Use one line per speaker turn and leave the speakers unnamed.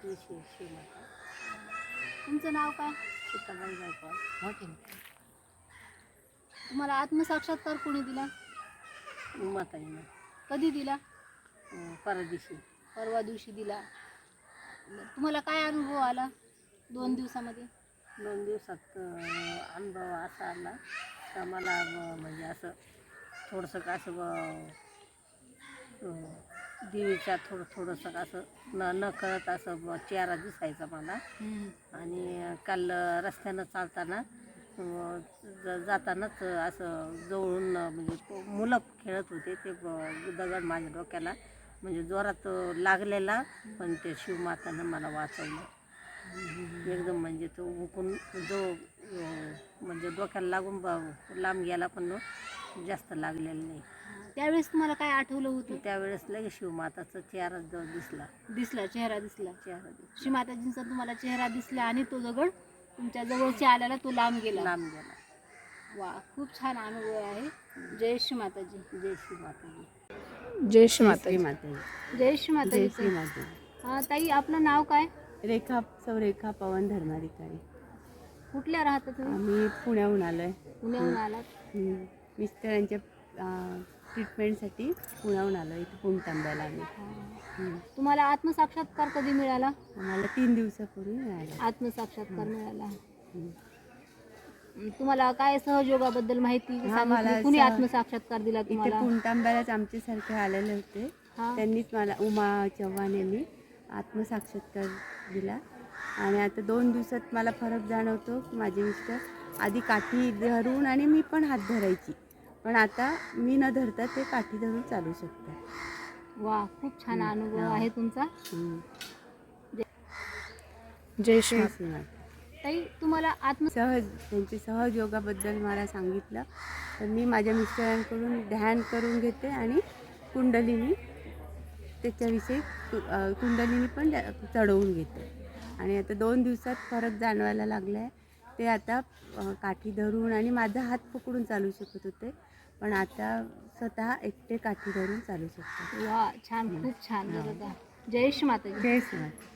देशी शिवमाता.
तुमचं नाव काय?
सीताबाई गायकवाड. मोठे
तुम्हाला आत्मसाक्षात्कार कोणी दिला?
माताईनं
कधी दिला?
परदेशी
परवा दिवशी दिला. तुम्हाला काय अनुभव आला 2 दिवसामध्ये?
2 दिवसात अनुभव असा आला का मला म्हणजे असं थोडंसं का असं देवीच्या थोडंसं असं न कळत असं चेहरा दिसायचा मला. आणि काल रस्त्यानं चालताना जातानाच असं जवळून म्हणजे मुलं खेळत होते ते दगड माझ्या डोक्याला म्हणजे जोरात लागलेला, पण ते शिवमातानं मला वाचवलं एकदम. म्हणजे तो उकून जो म्हणजे डोक्याला लागून लांब गेला, पण जास्त लागलेलं नाही.
त्यावेळेस तुम्हाला काय आठवलं होतं?
त्यावेळेस लगेच शिवमाताचा चेहरा
चेहरा दिसला.
दिसला.
शिवमाताजींचा तुम्हाला चेहरा दिसला आणि तो दगड तुमच्या जवळच्या आल्याला तो लांब गेला. वा, खूप छान अनुभव आहे. जय श्री माताजी.
जय श्री माताजी.
जय श्री
माताजी.
जय श्री माताजी.
श्री माताजी.
ताई, आपलं नाव काय?
रेखा पवन धर्माधिकारी.
कुठल्या राहता तुम्ही?
आम्ही पुण्याहून आलोय.
पुण्याहून आलात?
मिस्टरांच्या ट्रीटमेंटसाठी पुण्याहून आलो इथे पुणतांब्याला आम्ही.
तुम्हाला आत्मसाक्षात्कार कधी मिळाला?
आम्हाला 3 दिवसापूर्वी मिळाला
आत्मसाक्षात्कार मिळाला. तुम्हाला काय सहयोगाबद्दल माहिती
मला
कुणी आत्मसाक्षात्कार दिला
इथे
तुम्हाला?
पुणतांब्यालाच आमच्यासारखे आलेले होते. त्यांनीच मला, उमा चव्हाण यांनी आत्मसाक्षात्कार दिला. आणि आता 2 दिवसात मला फरक जाणवतो. माझे मिस्टर आधी काठी धरून आणि मी पण हात धरायची, पण आता मी न धरता ते काठी धरून चालू शकतात.
वा, खूप छान अनुभव आहे तुमचा.
जय श्री माता.
ताई, तुम्हाला
त्यांच्या सहयोगाबद्दल मला सांगितलं, तर मी माझ्या मिस्टरांकडून ध्यान करून घेते आणि कुंडलिनी त्याच्याविषयी कुंडलिनी पण चढवून घेते. आणि आता 2 दिवसात फरक जाणवायला लागला आहे. ते आता काठी धरून आणि माझा हात पकडून चालू शकत होते, पण आता स्वतः एकटे काठी धरून चालू शकतात.
वा, छान, खूप छान. जय श्री माता.
जय श्री माता.